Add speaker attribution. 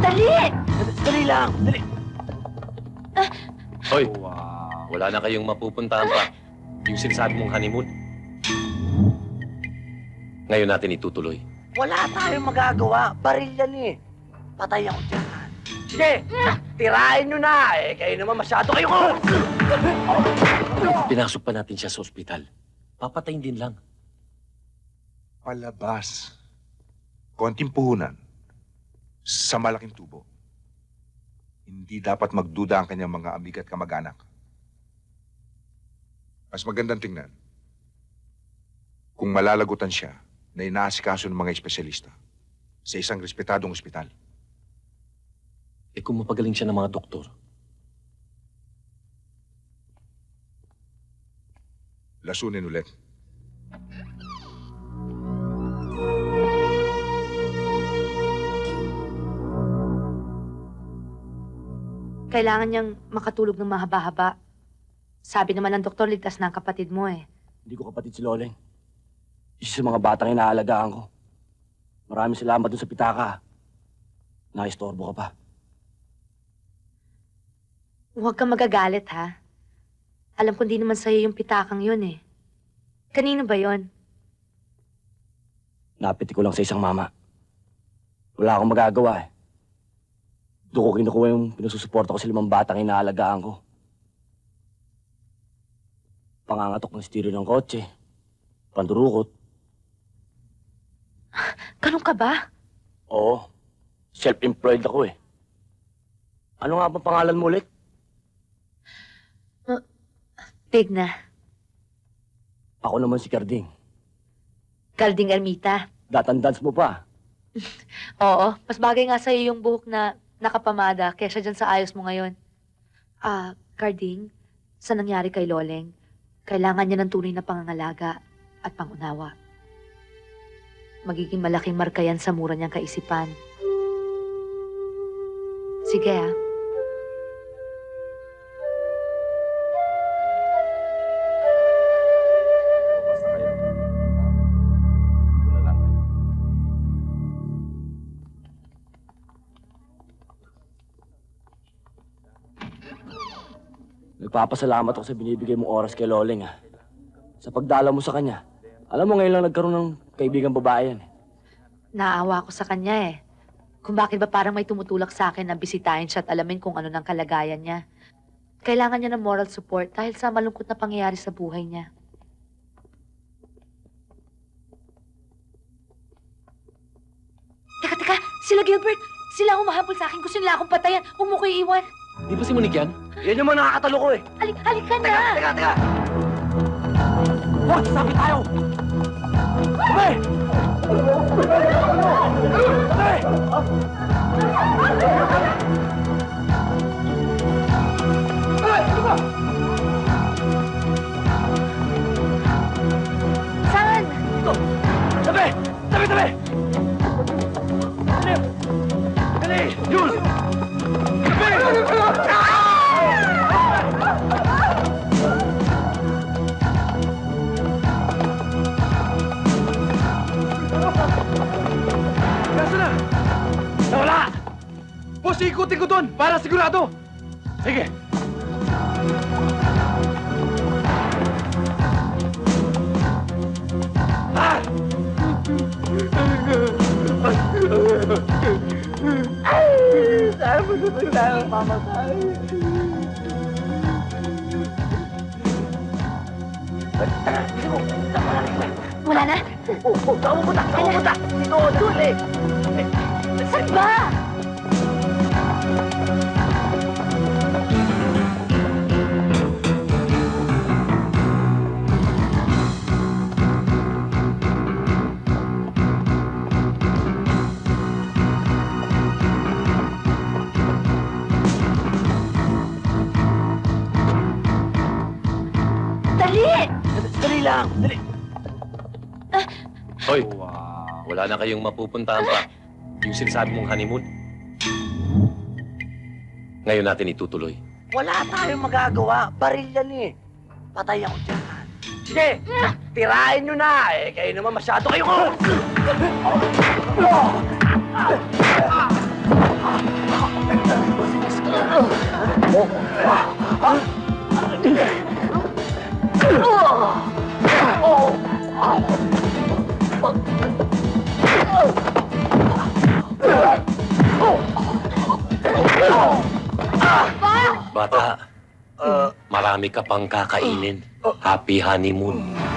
Speaker 1: Dali!
Speaker 2: Dali lang! Dali!
Speaker 3: Hoy, wala na kayong mapupuntahan pa. Yung sinasabi mong honeymoon. Ngayon natin itutuloy.
Speaker 2: Wala tayong magagawa. Baril yan eh. Patay ako dyan. Sige! Tirahin nyo na! Eh, kayo naman masyado kayo ko!
Speaker 3: Pinasok pa natin siya sa ospital. Papatayin din lang.
Speaker 4: Palabas. Konting puhunan. Sa malaking tubo. Hindi dapat magduda ang kanyang mga amig at kamag-anak. Mas magandang tingnan kung malalagutan siya na inaasikaso ng mga espesyalista sa isang respetadong ospital.
Speaker 3: Eh kung mapagaling siya ng mga doktor,
Speaker 4: Lasunin ulit.
Speaker 1: Kailangan niyang makatulog ng mahaba-haba. Sabi naman ng doktor, ligtas na ang kapatid mo eh.
Speaker 5: Hindi ko kapatid si Loleng. Isa sa mga batang inaalagaan ko. Maraming salamat dun sa pitaka. Naistorbo ka pa.
Speaker 1: Huwag kang magagalit ha. Alam ko hindi naman sa'yo yung pitakang yun eh. Kanino ba yon?
Speaker 5: Napiti ko lang sa isang mama. Wala akong magagawa eh. Doon ko kinukuha yung pinususuporta ko sa 5 batang inaalagaan ko. Pangangatok ng stereo ng kotse. Pandurukot.
Speaker 1: Ganun ka ba?
Speaker 5: Oo. Self-employed ako eh. Ano nga ba pangalan mo ulit?
Speaker 1: Tigna.
Speaker 5: Ako naman si Carding.
Speaker 1: Carding Ermita.
Speaker 5: Datandans mo pa.
Speaker 1: Oo, mas bagay nga sa'yo yung buhok na nakapamada kaysa dyan sa ayos mo ngayon. Carding, sa nangyari kay Loleng, kailangan niya ng tunay na pangangalaga at pangunawa. Magiging malaking marka yan sa mura niyang kaisipan. Sige ah.
Speaker 5: Nagpapasalamat ako sa binibigay mong oras kay Loleng ah. Sa pagdala mo sa kanya. Alam mo ngayon lang nagkaroon ng kaibigang babae yan eh.
Speaker 1: Naawa ko sa kanya eh. Kung bakit ba parang may tumutulak sa akin na bisitahin siya at alamin kung ano ng kalagayan niya. Kailangan niya ng moral support dahil sa malungkot na pangyayari sa buhay niya. Teka, sila Gilbert! Sila ang humahabol sa akin. Gusto nila akong patayan. Huwag mo ko iiwan.
Speaker 3: di ba si Monique yan?
Speaker 2: Yan yung mga nakakatalo ko eh.
Speaker 1: Halika na!
Speaker 2: Teka!
Speaker 5: Wah! Sabi tayo! Sabi! Sabi!
Speaker 1: Saan?
Speaker 5: Sabi! Sabi! Sabi! Dali! Jules! Sabi!
Speaker 2: Kaso na! Nawala! Boss, ikutin ko doon para sigurado!
Speaker 5: Sige!
Speaker 2: Ah! Saan mo naman tayo mamatay?
Speaker 1: Wala na?
Speaker 2: Saan mo punta? Dito, dali!
Speaker 1: Saan ba? Dali!
Speaker 2: Dali lang! Dali!
Speaker 3: Hoy, wala na kayong mapupuntahan pa. Yung sinasabi mong honeymoon. Ngayon natin itutuloy.
Speaker 2: Wala tayong magagawa. Baril yan eh. Patay ako dyan. Sige! Tirahin nyo na! Eh, kayo naman masyado kayo ko!
Speaker 3: Bata, marami ka pang kakainin. Happy honeymoon.